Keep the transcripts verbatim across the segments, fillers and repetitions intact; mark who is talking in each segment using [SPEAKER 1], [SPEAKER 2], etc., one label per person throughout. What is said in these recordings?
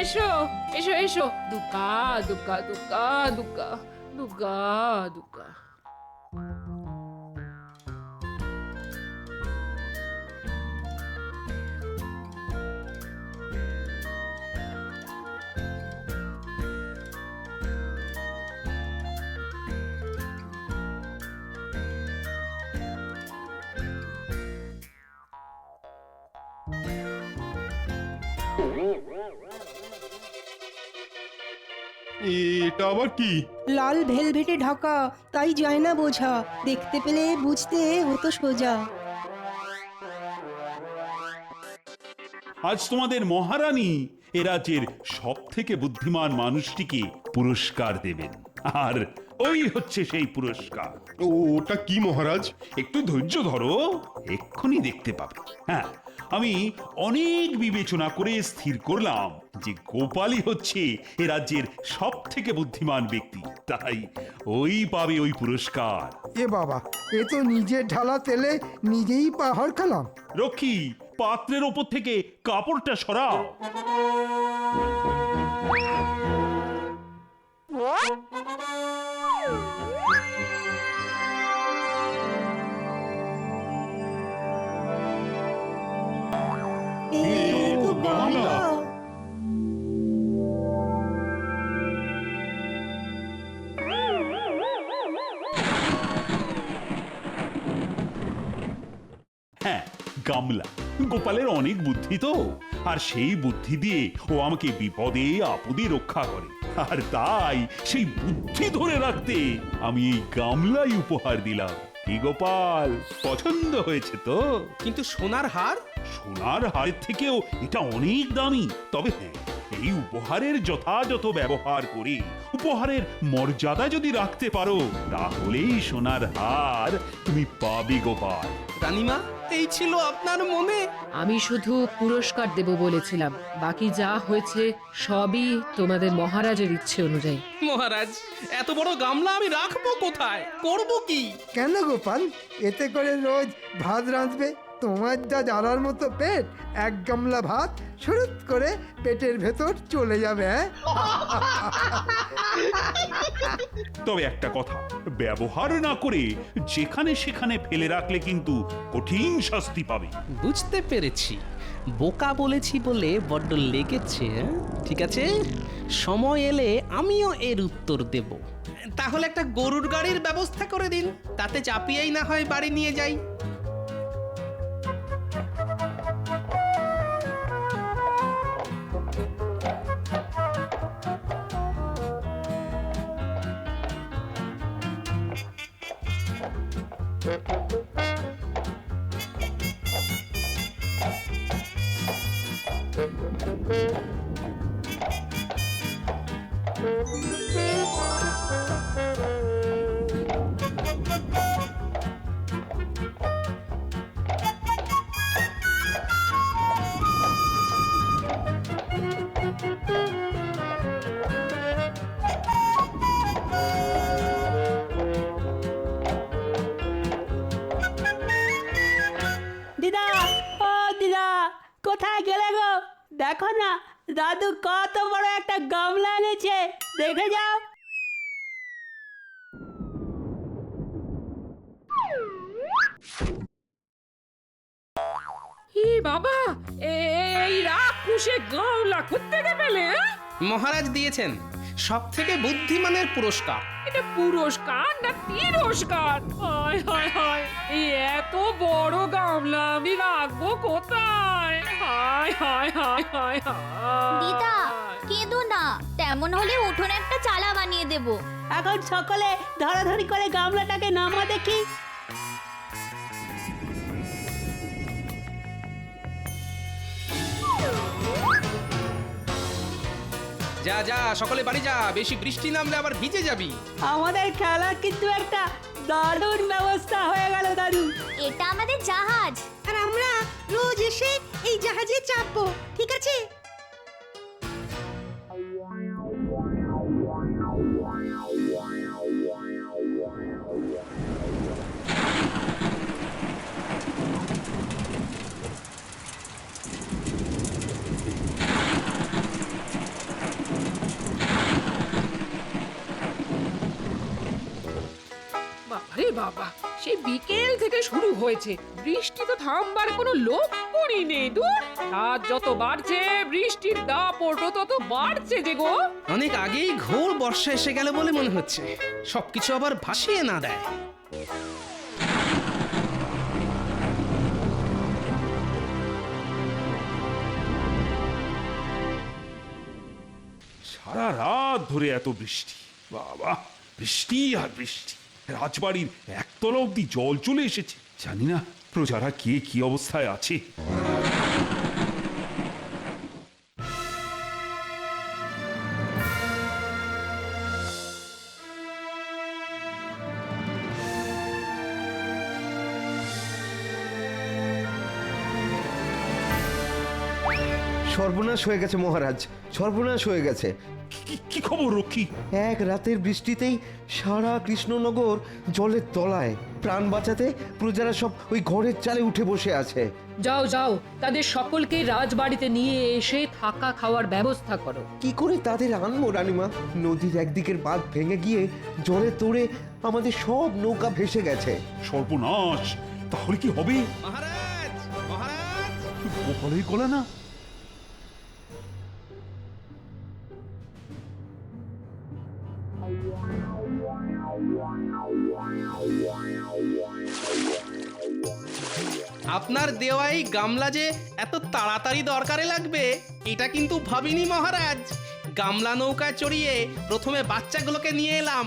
[SPEAKER 1] এসো এসো এসো, দুকা দুকা দুকা দুকা দুকা দুকা।
[SPEAKER 2] এটা আবার কি?
[SPEAKER 3] লাল ভেলভেটে ঢাকা, তাই যায় না বোঝা, দেখতে পেলে বুঝতে হতো সোজা।
[SPEAKER 4] আজ তোমাদের মহারানী এ রাজ্যের সব থেকে বুদ্ধিমান মানুষটিকে পুরস্কার দেবেন, আর ওই হচ্ছে সেই পুরস্কার।
[SPEAKER 2] ও, ওটা কি মহারাজ?
[SPEAKER 4] একটু ধৈর্য ধরো, এক্ষুনি দেখতে পাবে। হ্যাঁ, আমি অনেক বিবেচনা করে স্থির করলাম যে গোপালই হচ্ছে এ রাজ্যের সব থেকে বুদ্ধিমান ব্যক্তি, তাই ওই পাবে ওই পুরস্কার।
[SPEAKER 5] এ বাবা, এ তো নিজের ঢালা তেলে নিজেই পাহাড় খেলাম।
[SPEAKER 4] রক্ষী, পাত্রের ওপর থেকে কাপড়টা সরাও।
[SPEAKER 3] এই তো বাংলা।
[SPEAKER 4] হ্যাঁ, গামলা। গোপালের অনেক বুদ্ধি তো, আর সেই বুদ্ধি দিয়ে ও আমাকে বিপদে আপদে রক্ষা করে, আর তাই সেই বুদ্ধি ধরে রাখতে আমি এই গামলাই উপহার দিলাম। কি গোপাল, পছন্দ হয়েছে তো?
[SPEAKER 6] কিন্তু সোনার হার?
[SPEAKER 4] সোনার হারের থেকেও এটা অনেক দামি। তবে হ্যাঁ, এই উপহারের যথাযথ ব্যবহার করে উপহারের মর্যাদা যদি রাখতে পারো, তাহলেই সোনার হার তুমি পাবে গোপাল।
[SPEAKER 6] রানীমা, এই ছিল আপনার মনে?
[SPEAKER 1] আমি শুধু পুরস্কার দেব বলেছিলাম, বাকি যা হয়েছে সবই তোমাদের মহারাজের ইচ্ছে অনুযায়ী।
[SPEAKER 6] মহারাজ, এত বড় গামলা আমি রাখবো কোথায়? করব কি?
[SPEAKER 5] কেন গোপাল, এতে করে রোজ ভাত রাঁধবে? তোমার যা জ্বালার মতো পেট, এক গামলা ভাত শুরুত করে পেটের ভেতর চলে যাবে। হ্যাঁ,
[SPEAKER 4] তবে একটা কথা, ব্যবহার না করে যেখানে সেখানে ফেলে রাখলে কিন্তু কঠিন শাস্তি পাবে।
[SPEAKER 6] বুঝতে পেরেছি, বোকা বলেছি বলে বড্ড লেগেছে। হ্যাঁ? ঠিক আছে, সময় এলে আমিও এর উত্তর দেব। তাহলে একটা গরুর গাড়ির ব্যবস্থা করে দিন, তাতে চাপিয়েই না হয় বাড়ি নিয়ে যাই।
[SPEAKER 7] দিদা, ও দিদা, কোথায় গেলে গো? দেখো না, দাদু কত বড় একটা গামলা এনেছে, দেখে যাও।
[SPEAKER 1] হি বাবা, এই রাক্ষসে গামলা কোত্থেকে পেলে? হ্যাঁ?
[SPEAKER 6] মহারাজ দিয়েছেন সব থেকে বুদ্ধিমানের পুরস্কার।
[SPEAKER 1] এটা পুরস্কার না তিরস্কার? হায় হায় হায়, এই এত বড় গামলা আমি রাখবো কোথায়? হায় হায় হায় হায় হায়।
[SPEAKER 8] দিদা, কেঁদো না, তেমন হলে উঠোনে একটা চালা বানিয়ে দেব।
[SPEAKER 7] এখন সকলে ধরাধরি করে গামলাটাকে নামা দেখি।
[SPEAKER 6] যা যা, সকলে বাড়ি যা, বেশি বৃষ্টি নামলে আবার ভিজে যাবি।
[SPEAKER 7] আমাদের খেলার কিন্তু একটা দারুণ ব্যবস্থা হয়ে গেল দাদু।
[SPEAKER 8] এটা আমাদের জাহাজ,
[SPEAKER 3] আর আমরা রোজ এসে এই জাহাজে চাপবো, ঠিক আছে?
[SPEAKER 1] বাবা, সেই বিকেল থেকে শুরু হয়েছে, বৃষ্টি তো থামবার কোনো লক্ষণই নেই। দূর, রাত যত বাড়ছে বৃষ্টির দাপট তত বাড়ছে যে গো।
[SPEAKER 6] অনেক আগেই ঘোর বর্ষা এসে গেল বলে মনে হচ্ছে, সবকিছু আবার ভাসিয়ে না দেয়।
[SPEAKER 4] সারা রাত ধরে এত বৃষ্টি, বাবা, বৃষ্টি আর বৃষ্টি। রাজবাড়ির একতলা অব্দি জল চলে এসেছে। জানি না প্রজারা কে কি অবস্থায় আছে।
[SPEAKER 9] সর্বনাশ হয়ে গেছে মহারাজ, সর্বনাশ হয়ে গেছে।
[SPEAKER 4] কি- কি খবর রক্ষী?
[SPEAKER 9] এক রাতের বৃষ্টিতেই সারা কৃষ্ণনগর জলের তলায়। প্রাণ বাঁচাতে প্রজারা সব ওই ঘরের চালে উঠে বসে আছে।
[SPEAKER 1] যাও যাও, তাদের সকলকে রাজবাড়িতে নিয়ে এসে থাকা খাওয়ার ব্যবস্থা করো।
[SPEAKER 9] কি করে তাদের আনবো রানীমা? নদীর একদিকের বাঁধ ভেঙে গিয়ে জলে তোড়ে আমাদের সব নৌকা ভেসে গেছে।
[SPEAKER 4] সর্বনাশ! তাহলে কি হবে?
[SPEAKER 6] মহারাজ, মহারাজ!
[SPEAKER 4] গোপালের গলা না?
[SPEAKER 6] আপনার দেওয়াই গামলা যে এত তাড়াতাড়ি দরকারে লাগবে এটা কিন্তু ভাবিনি মহারাজ। গামলা নৌকা চড়িয়ে প্রথমে বাচ্চাগুলোকে নিয়ে এলাম,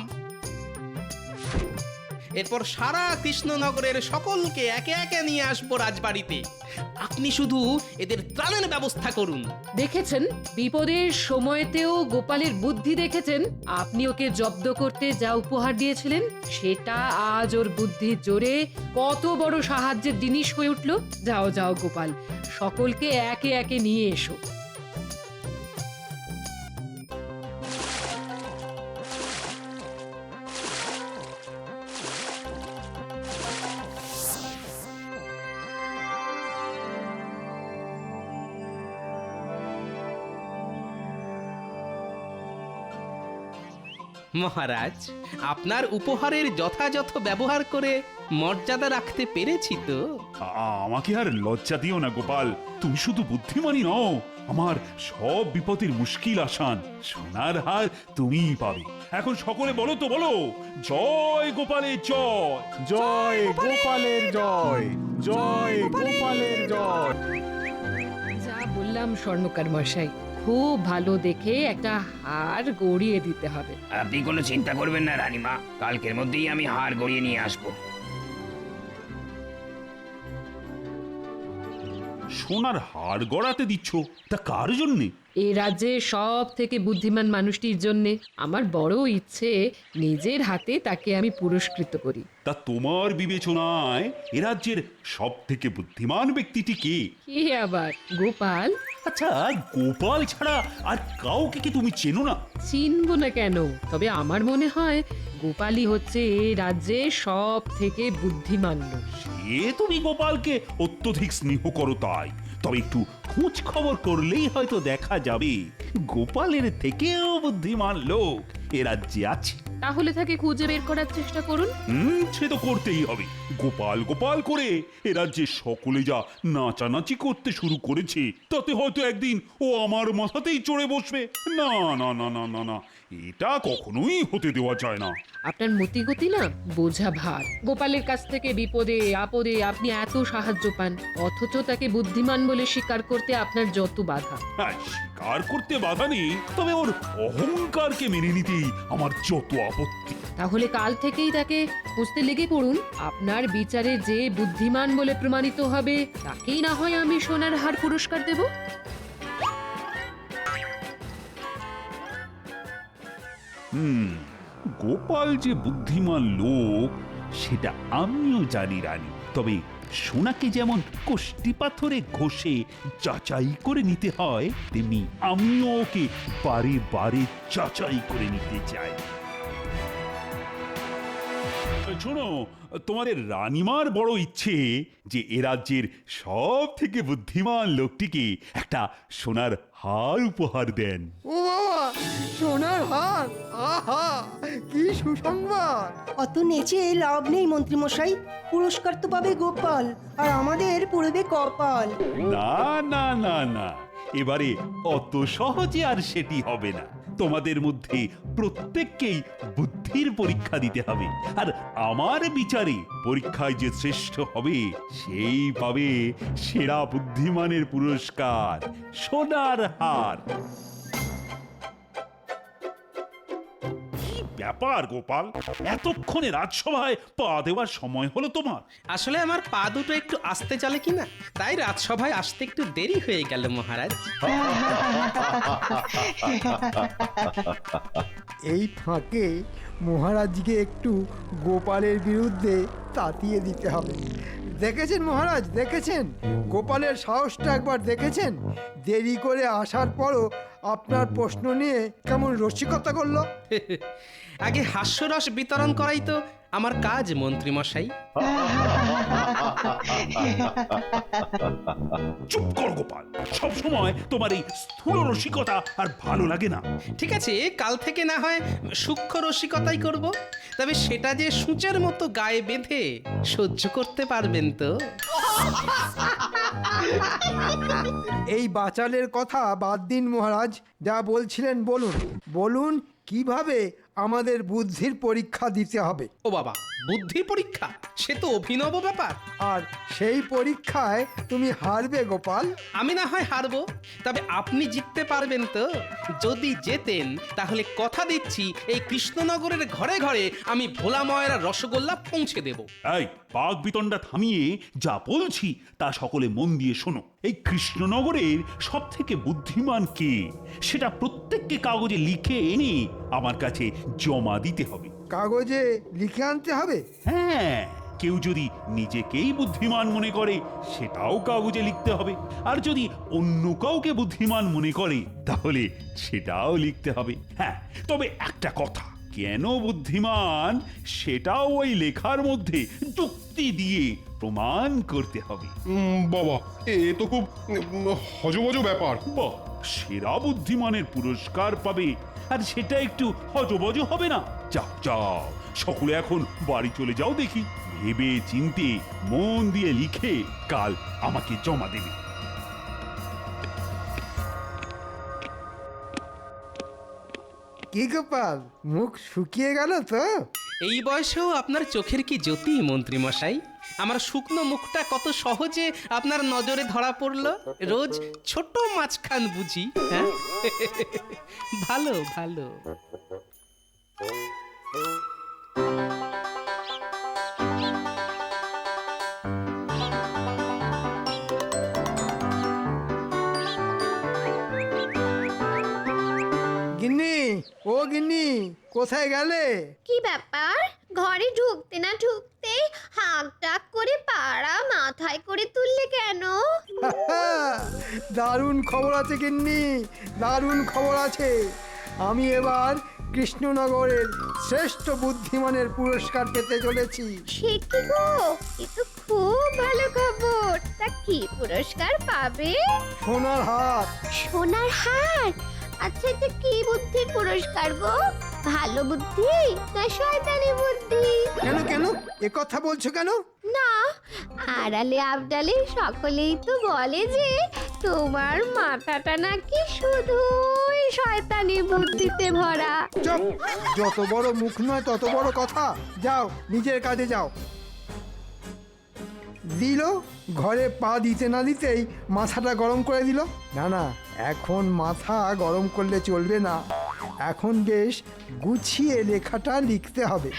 [SPEAKER 6] এরপর সারা কৃষ্ণনগরের সকলকে একে একে নিয়ে আসবো রাজবাড়িতে। আপনি শুধু এদের ত্রাণের ব্যবস্থা করুন।
[SPEAKER 1] দেখেছেন, বিপদের সময়তেও গোপালের বুদ্ধি দেখেছেন। আপনি ওকে জব্দ করতে যা উপহার দিয়েছিলেন সেটা আজ ওর বুদ্ধির জোরে কত বড় সাহায্যের জিনিস হয়ে উঠল। যাও যাও গোপাল, সকলকে একে একে নিয়ে এসো।
[SPEAKER 6] মহারাজ, আপনার উপহারের যথাযথ ব্যবহার করে মর্যাদা রাখতে পেরেছি তো?
[SPEAKER 4] আ- আমাকে আর লজ্জা দিও না গোপাল। তুমি শুধু বুদ্ধিমানই নও, আমার সব বিপদের মুশকিল আসান। সোনার হার তুমিই পাবে। এখন সকলে বলো তো, বলো, জয় গোপালের জয়।
[SPEAKER 10] জয় গোপালের জয়, জয় গোপালের জয়।
[SPEAKER 1] যা বললাম স্বর্ণকার মশাই, খুব ভালো দেখে একটা হার গড়িয়ে দিতে হবে।
[SPEAKER 11] আপনি কোনো চিন্তা করবেন না রানীমা, কালকের মধ্যেই আমি হার গড়িয়ে নিয়ে আসবো।
[SPEAKER 4] সোনার হার গড়াতে দিচ্ছ, তা কার জন্যে?
[SPEAKER 1] এ রাজ্যে সব থেকে বুদ্ধিমান মানুষটির জন্য আমার বড় ইচ্ছে নিজের হাতে তাকে আমি পুরস্কৃত করি।
[SPEAKER 4] তা তোমার বিবেচনায় এ রাজ্যের সব থেকে বুদ্ধিমান ব্যক্তিটি কে?
[SPEAKER 1] কি আবার, গোপাল?
[SPEAKER 4] আচ্ছা, গোপাল ছাড়া আর কাউকে কি তুমি চেনো না?
[SPEAKER 1] চিনব না কেন? তবে আমার মনে হয় গোপালই হচ্ছে এ রাজ্যে সব থেকে বুদ্ধিমান লোক।
[SPEAKER 4] সে তুমি গোপালকে অত্যধিক স্নেহ করো তাই। তবে একটু খোঁজ খবর করলেই হয়তো দেখা যাবে গোপালের থেকেও বুদ্ধিমান লোক এ রাজ্যে আছে।
[SPEAKER 1] তাহলে তাকে খুঁজে বের করার চেষ্টা করুন।
[SPEAKER 4] হুম, সে তো করতেই হবে। গোপাল গোপাল করে এ রাজ্যে সকলে যা নাচানাচি করতে শুরু করেছে, তাতে হয়তো একদিন ও আমার মাথাতেই চড়ে বসবে। না না না না না না, এটা কখনোই হতে দেওয়া যায় না।
[SPEAKER 1] আপনার মতিগতি না বোঝা ভার। গোপালের কাছ থেকে বিপদে আপদে আপনি এত সাহায্য পান, অথচ তাকে বুদ্ধিমান বলে স্বীকার করতে আপনার যত বাধা।
[SPEAKER 4] হ্যাঁ, স্বীকার করতে বাধা নেই, তবে ওর অহংকারকে মেনে নিতেই আমার যত আপত্তি।
[SPEAKER 1] তাহলে কাল থেকেই তাকে খুঁজতে লেগে পড়ুন। আপনার বিচারে যে বুদ্ধিমান বলে প্রমাণিত হবে তাকেই না হয় আমি সোনার হার পুরস্কার দেব।
[SPEAKER 4] হুম, গোপাল যে বুদ্ধিমান লোক সেটা আমিও জানি রানী। তবে সোনাকে যেমন কোষ্টি পাথরে ঘষে যাচাই করে নিতে হয়, তেমনি আমিও ওকে বারে বারে যাচাই করে নিতে চাই। শোনো, তোমাদের রানীমার বড় ইচ্ছে যে এ রাজ্যের সব থেকে বুদ্ধিমান লোকটিকে একটা সোনার হার উপহার দেন।
[SPEAKER 5] ও বাবা, সোনার হার, আহা কি সুসংবাদ!
[SPEAKER 3] অত নেচে লাভ নেই মন্ত্রীমশাই, পুরস্কার তো পাবে গোপাল আর আমাদের পড়বে কপাল।
[SPEAKER 4] না না না না, এবারে অত সহজে আর সেটি হবে না। তোমাদের মধ্যে প্রত্যেককেই বুদ্ধির পরীক্ষা দিতে হবে, আর আমার বিচারে পরীক্ষায় যে শ্রেষ্ঠ হবে সেই পাবে সেরা বুদ্ধিমানের পুরস্কার, সোনার হার। কি ব্যাপার গোপাল, এতক্ষণে রাজসভায় পা দেওয়ার সময় হলো তোমার?
[SPEAKER 6] আসলে আমার পা দুটো একটু আস্তে চলে কিনা, তাই রাজসভায় আসতে একটু দেরি হয়ে গেল মহারাজ।
[SPEAKER 5] এই ফাঁকে মহারাজকে একটু গোপালের বিরুদ্ধে তাতিয়ে দিতে হবে। দেখেছেন মহারাজ, দেখেছেন গোপালের সাহসটা একবার দেখেছেন? দেরি করে আসার পরও আপনার প্রশ্ন নিয়ে কেমন রসিকতা করলো।
[SPEAKER 6] আগে হাস্যরস বিতরণ করাই তো আমার কাজ মন্ত্রী মশাই।
[SPEAKER 4] চুপ কর গোপাল, সব সময় তোমার এই স্থূল রসিকতা আর ভালো লাগে না।
[SPEAKER 6] ঠিক আছে, কাল থেকে না হয় সূক্ষ্ম রসিকতাই করব, তবে সেটা যে সূচের মতো গায়ে বেঁধে সহ্য করতে পারবেন তো?
[SPEAKER 5] এই বাচালের কথা বাদ দিন মহারাজ, যা বলছিলেন বলুন। বলুন কিভাবে আমাদের বুদ্ধির পরীক্ষা দিতে হবে।
[SPEAKER 6] ও বাবা, বুদ্ধি পরীক্ষা? সে তো অভিনব ব্যাপার।
[SPEAKER 5] আর সেই পরীক্ষায় তুমি হারবে গোপাল।
[SPEAKER 6] আমি না হয় হারবো, তবে আপনি জিততে পারবেন তো? যদি জেতেন তাহলে কথা দিচ্ছি এই কৃষ্ণনগরের ঘরে ঘরে আমি ভোলা ময়রা রসগোল্লা পৌঁছে দেব।
[SPEAKER 4] এই বাঘ বিতণ্ডা থামিয়ে যা বলছি তা সকলে মন দিয়ে শোনো। এই কৃষ্ণনগরের সব থেকে বুদ্ধিমান কে সেটা প্রত্যেককে কাগজে লিখে এনে আমার কাছে জমা দিতে হবে।
[SPEAKER 5] কাগজে লিখে আনতে হবে?
[SPEAKER 4] হ্যাঁ, কেউ যদি নিজেকেই বুদ্ধিমান মনে করে সেটাও কাগজে লিখতে হবে, আর যদি অন্য কাউকে বুদ্ধিমান মনে করে তাহলে সেটাও লিখতে হবে। হ্যাঁ, তবে একটা কথা, কেন বুদ্ধিমান সেটাও ওই লেখার মধ্যে যুক্তি দিয়ে প্রমাণ করতে হবে।
[SPEAKER 2] উম, বাবা এ তো খুব উম, হজবজ ব্যাপার।
[SPEAKER 4] বাহ, সেরা বুদ্ধিমানের পুরস্কার পাবে, আর সেটা একটু হজবজ হবে না? যাও যাও, সকলে এখন বাড়ি চলে যাও দেখি। ভেবে চিন্তে মন দিয়ে লিখে কাল আমাকে জমা দেবে।
[SPEAKER 5] কি গোপাল, মুখ শুকিয়ে গেল তো?
[SPEAKER 6] এই বয়সেও আপনার চোখের কি জ্যোতি মন্ত্রী মশাই! আমার শুকনো মুখটা কত সহজে আপনার নজরে ধরা পড়লো। রোজ ছোট মাছখান বুঝি, হ্যাঁ? ভালো ভালো।
[SPEAKER 5] গিন্নি, ও গিন্নি, কোথায় গেলে?
[SPEAKER 8] কি ব্যাপার, ঘরে ঢুকতে না ঢুকতে হাঁক ডাক করে পাড়া মাথায় করে তুললে কেন?
[SPEAKER 5] দারুণ খবর আছে গিন্নি, দারুণ খবর আছে। আমি এবার কৃষ্ণনগরের শ্রেষ্ঠ বুদ্ধিমানের পুরস্কার পেতে চলেছি।
[SPEAKER 8] সে কি গো, এ তো খুব ভালো খবর। তা কি পুরস্কার পাবে?
[SPEAKER 5] সোনার হার।
[SPEAKER 8] সোনার হার? আচ্ছা, এটা কি বুদ্ধির পুরস্কার গো? ভালো বুদ্ধি না শয়তানি বুদ্ধি?
[SPEAKER 5] কেন কেন এ কথা বলছো কেন?
[SPEAKER 8] না, আড়ালে আবডালে সকলেই তো বলে যে তোমার মাথাটা নাকি শুধুই শয়তানি বুদ্ধিতে ভরা।
[SPEAKER 5] চুপ, যত বড় মুখ নয় তত বড় কথা। যাও, নিজের কাজে যাও। দিল, ঘরে পা দিতে না দিতেই মাথাটা গরম করে দিল। না না, এখন মাথা গরম করলে চলবে না, এখন বেশ গুছিয়ে লেখাটা লিখতে হবে।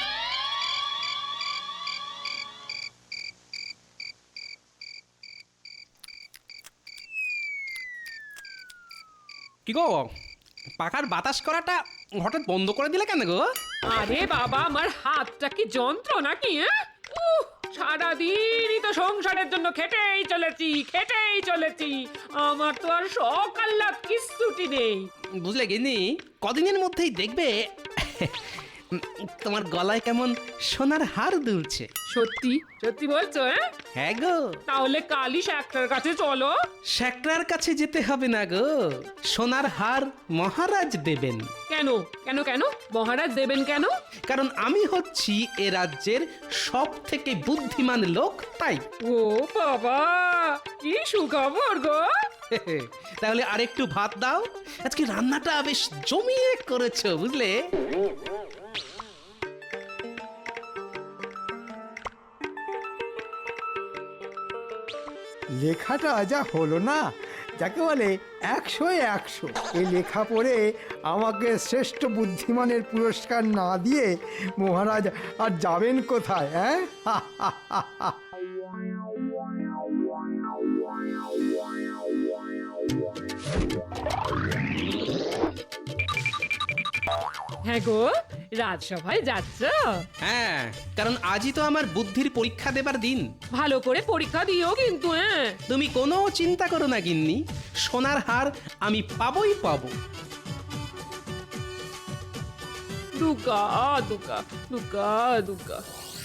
[SPEAKER 6] কি গো, পাখার বাতাস করাটা হঠাৎ বন্ধ করে দিলে কেন গো?
[SPEAKER 1] আরে বাবা, আমার হাতটা কি যন্ত্র নাকি? হ্যাঁ, উহ, সারাদিনই তো সংসারের জন্য খেটেই চলেছি খেটেই চলেছি আমার তো আর শখ আহ্লাদ কিচ্ছুটি নেই।
[SPEAKER 6] বুঝলে গিন্নি, কদিনের মধ্যেই দেখবে উম, তোমার গলায় কেমন সোনার হার দুলছে।
[SPEAKER 1] সত্যি সত্যি বলছো? হ্যাঁ,
[SPEAKER 6] হ্যাঁ গো,
[SPEAKER 1] তাহলে কালই একটার কাছে চলো।
[SPEAKER 6] শ্যাকরার কাছে যেতে হবে না গো, সোনার হার মহারাজ দেবেন।
[SPEAKER 1] কেন কেন কেন মহারাজ দেবেন কেন?
[SPEAKER 6] কারণ আমি হচ্ছি এ রাজ্যের সব থেকে বুদ্ধিমান লোক, তাই।
[SPEAKER 1] ও বাবা, কি সুখবর গো!
[SPEAKER 6] তাহলে আরেকটু ভাত দাও, আজকে রান্নাটা বেশ জমিয়ে করেছো বুঝলে।
[SPEAKER 5] লেখাটা যা হলো না, যাকে বলে একশো একশো। এই লেখা পড়ে আমাকে শ্রেষ্ঠ বুদ্ধিমানের পুরস্কার না দিয়ে মহারাজ আর যাবেন কোথায়? হ্যাঁ,
[SPEAKER 1] হ্যাঁ গো, রাজসভায় যাচ্ছ?
[SPEAKER 6] হ্যাঁ, কারণ আজই তো আমার বুদ্ধির পরীক্ষা দেবার দিন।
[SPEAKER 1] ভালো করে পরীক্ষা দিও কিন্তু। হ্যাঁ,
[SPEAKER 6] তুমি কোনো চিন্তা করো না গিন্নি, সোনার হার আমি পাবই পাবো।
[SPEAKER 1] দুকা দুকা দুকা দুকা।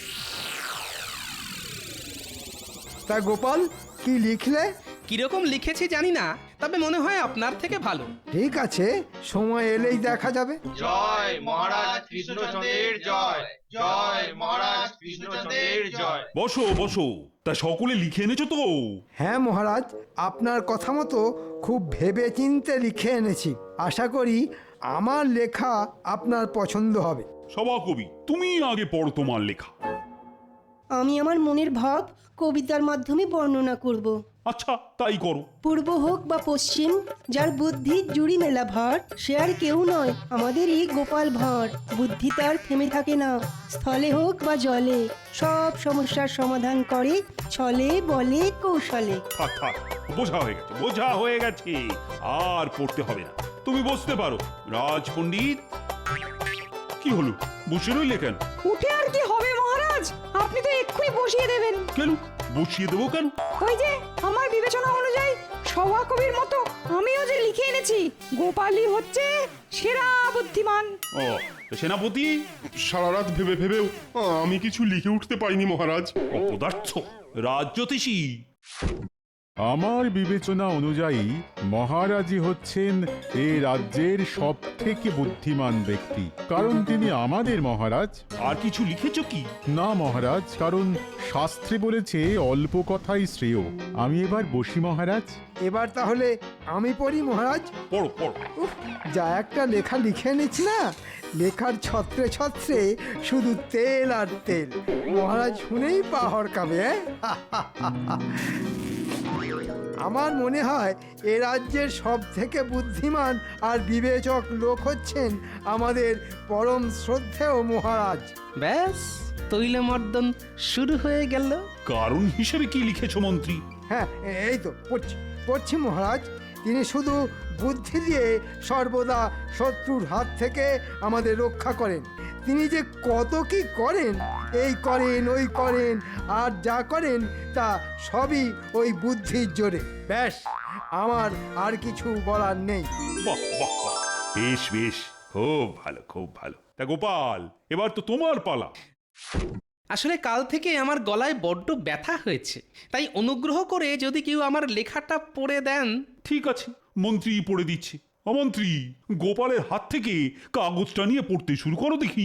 [SPEAKER 5] তা গোপাল, কি লিখলে?
[SPEAKER 6] কিরকম লিখেছি জানি না, তবে মনে হয় আপনার থেকে ভালো।
[SPEAKER 5] ঠিক আছে, সময় এলেই দেখা যাবে।
[SPEAKER 12] জয় মহারাজ কৃষ্ণচন্দ্রের জয়, জয় মহারাজ কৃষ্ণচন্দ্রের জয়।
[SPEAKER 4] বসো বসো, তা সকলে লিখে এনেছো তো?
[SPEAKER 5] হ্যাঁ মহারাজ, আপনার কথা মতো খুব ভেবে চিন্তে লিখে এনেছি। আশা করি আমার লেখা আপনার পছন্দ হবে।
[SPEAKER 4] সভাকবি, তুমি আগে পড়ো তোমার লেখা।
[SPEAKER 3] আমি আমার মনের ভাব কবিতার মাধ্যমে বর্ণনা করব।
[SPEAKER 4] আচ্ছা, তাই করো।
[SPEAKER 3] পূর্ব হোক বা পশ্চিম, যার বুদ্ধির জুড়ি মেলা ভার, সে আর কেউ নয় আমাদেরই গোপাল ভাঁড়। বুদ্ধি তার থেমে থাকে না, স্থলে হোক বা জলে, সব সমস্যার সমাধান করে ছলে বলে কৌশলে।
[SPEAKER 4] থাক থাক, বোঝা হয়ে গেছে, বোঝা হয়ে গেছে, আর পড়তে হবে না। তুমি বসতে পারো। রাজ পণ্ডিত, কি হলো, বসে রইলে কেন?
[SPEAKER 13] উঠে আর কি হবে মহারাজ, আপনি তো এক্ষুনি বসিয়ে দেবেন।
[SPEAKER 4] কেন বসিয়ে দেবো কেন?
[SPEAKER 13] ওই যে আমার বিবেচনা অনুযায়ী সভাকবির মতো আমিও যে লিখে এনেছি, গোপালই হচ্ছে সেরা বুদ্ধিমান।
[SPEAKER 4] ও, তা সেনাপতি?
[SPEAKER 2] সারা রাত ভেবে ভেবেও আমি কিছু লিখে উঠতে পারিনি মহারাজ।
[SPEAKER 4] অপদার্থ। রাজ জ্যোতিষী,
[SPEAKER 10] আমার বিবেচনা অনুযায়ী মহারাজই হচ্ছেন এই রাজ্যের সব থেকে বুদ্ধিমান ব্যক্তি, কারণ তিনি আমাদের মহারাজ।
[SPEAKER 4] আর কিছু লিখেছো কি?
[SPEAKER 10] না মহারাজ, কারণ শাস্ত্রে বলেছে অল্প কথাই শ্রেয়। আমি এবার বসি মহারাজ।
[SPEAKER 5] এবার তাহলে আমি পড়ি মহারাজ।
[SPEAKER 4] পড়ো পড়ো।
[SPEAKER 5] উফ, যা একটা লেখা লিখে এনেছি না, লেখার ছত্রে ছত্রে শুধু তেল আর তেল। মহারাজ শুনেই পা হরকাবে। আমার মনে হয় এ রাজ্যের সব থেকে বুদ্ধিমান আর বিবেচক লোক হচ্ছেন আমাদের পরম শ্রদ্ধেয় মহারাজ।
[SPEAKER 6] ব্যাস, তৈল মর্দন শুরু হয়ে গেল।
[SPEAKER 4] কারণ হিসেবে কি লিখেছো মন্ত্রী?
[SPEAKER 5] হ্যাঁ, এই তো পড়ছি পড়ছি মহারাজ। তিনি শুধু বুদ্ধি দিয়ে সর্বদা শত্রুর হাত থেকে আমাদের রক্ষা করেন। তিনি যে কত কি করেন, এই করেন ওই করেন, আর যা করেন তা সবই ওই বুদ্ধির জোরে। ব্যাস, আমার আর কিছু বলার নেই।
[SPEAKER 4] বাহ বাহ বাহ, বেশ বেশ, খুব ভালো খুব ভালো। তা গোপাল, এবার তো তোমার পালা।
[SPEAKER 6] আসলে কাল থেকে আমার গলায় বড্ড ব্যথা হয়েছে, তাই অনুগ্রহ করে যদি কেউ আমার লেখাটা পড়ে দেন।
[SPEAKER 4] ঠিক আছে, মন্ত্রী পড়ে দিচ্ছে। অমন্ত্রী, গোপালের হাত থেকে কাগজটা নিয়ে পড়তে শুরু করো দেখি।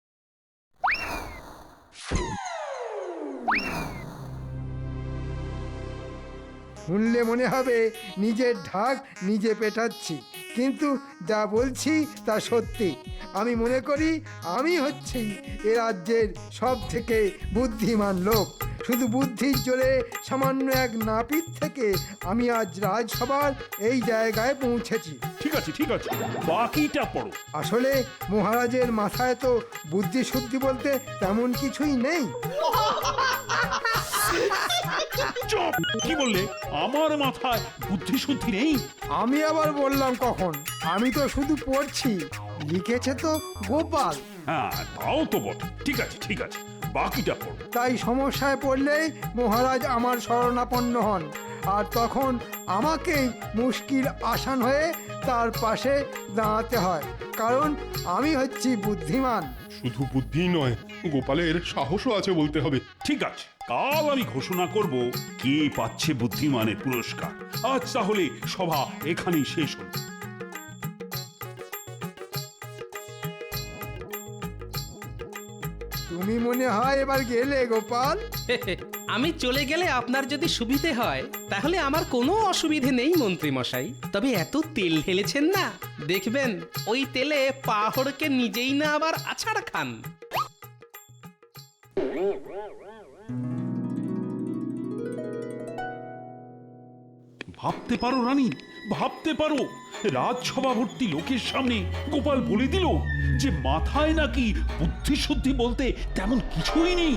[SPEAKER 5] শুনলে মনে হবে নিজের ঢাক নিজে পেটাচ্ছি, কিন্তু যা বলছি তা সত্যি। আমি মনে করি আমি হচ্ছি এ রাজ্যের সব থেকে বুদ্ধিমান লোক। শুধু বুদ্ধির জোরে সামান্য এক নাপিত থেকে আমি আজ রাজসভার এই জায়গায় পৌঁছেছি।
[SPEAKER 4] ঠিক আছে ঠিক আছে, বাকিটা পড়ো।
[SPEAKER 5] আসলে মহারাজের মাথায় তো বুদ্ধি শুদ্ধি বলতে তেমন কিছুই নেই।
[SPEAKER 4] চুপ! কি বললে? আমার মাথায় বুদ্ধি শুদ্ধি নেই?
[SPEAKER 5] আমি আবার বললাম কখন? আমি তো শুধু পড়ছি, লিখেছে তো গোপাল।
[SPEAKER 4] হ্যাঁ, তাও তো বটে। ঠিক আছে ঠিক আছে, বাকিটা পড়ো।
[SPEAKER 5] তাই সমস্যায় পড়লেই মহারাজ আমার শরণাপন্ন হন, আর তখন আমাকেই মুশকিল আসান হয়ে তার পাশে দাঁড়াতে হয়। কারণ আমি হচ্ছি বুদ্ধিমান।
[SPEAKER 2] শুধু বুদ্ধি নয়, গোপালের সাহসও আছে বলতে হবে।
[SPEAKER 4] ঠিক আছে, কাল আমি ঘোষণা করব কে পাচ্ছে বুদ্ধিমানের পুরস্কার। আজ তাহলে সভা এখানেই শেষ হল।
[SPEAKER 5] তুমি মনে হয় এবার গেলে গোপাল?
[SPEAKER 6] আমি চলে গেলে আপনার যদি সুবিধে হয় তাহলে আমার কোনো অসুবিধে নেই মন্ত্রী মশাই। তবে এত তেল ঢেলেছেন না, দেখবেন ওই তেলে পাহড়কে নিজেই না আবার আছাড় খান।
[SPEAKER 4] ভাবতে পারো রানী, ভাবতে পারো রাজসভা ভর্তি লোকের সামনে গোপাল বলে দিল যে মাথায় নাকি বুদ্ধি শুদ্ধি বলতে তেমন কিছুই নেই।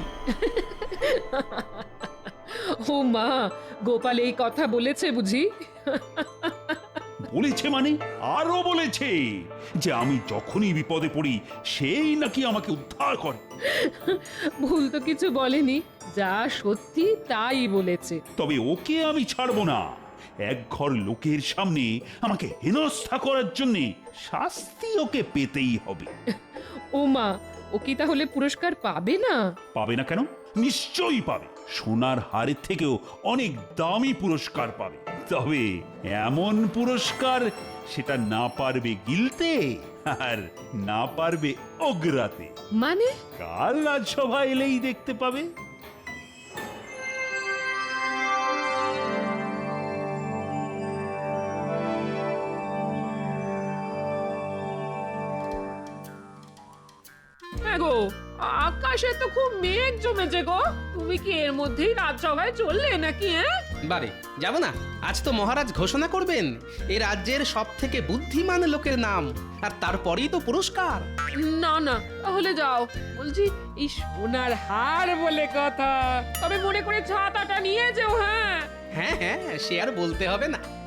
[SPEAKER 1] ও মা, গোপাল এই কথা বলেছে বুঝি?
[SPEAKER 4] বলেছে মানে আরো বলেছে যে আমি যখনই বিপদে পড়ি সেই নাকি আমাকে উদ্ধার করে।
[SPEAKER 1] ভুল তো কিছু বলেনি, যা সত্যি তাই বলেছে।
[SPEAKER 4] তবে ওকে আমি ছাড়বো না। এক ঘর লোকের সামনে আমাকে হেনস্থা করার জন্য শাস্তি ওকে পেতেই হবে।
[SPEAKER 1] ও মা, ও কি তাহলে পুরস্কার পাবে না?
[SPEAKER 4] পাবে না কেন? নিশ্চয়ই পাবে। সোনার হারের থেকেও অনেক দামি পুরস্কার পাবে। তবে এমন পুরস্কার সেটা না পারবে গিলতে আর না পারবে ওগরাতে।
[SPEAKER 1] মানে?
[SPEAKER 4] কাল রাজসভা এলেই দেখতে পাবে।
[SPEAKER 1] গো, আকাশে তো খুব মেঘ জমেছে গো। তুমি কি এর মধ্যেই রাজসভায় চললে নাকি? হ্যাঁ,
[SPEAKER 6] বারে যাব না। আজ তো মহারাজ ঘোষণা করবেন এই রাজ্যের সব থেকে বুদ্ধিমান লোকের নাম, আর তারপরেই তো পুরস্কার।
[SPEAKER 1] না না, তাহলে যাও। বলছি, এই সোনার হার বলে কথা, তবে মনে করে ছাতাটা নিয়ে যেও। হ্যাঁ
[SPEAKER 6] হ্যাঁ হ্যাঁ, সে আর বলতে হবে না।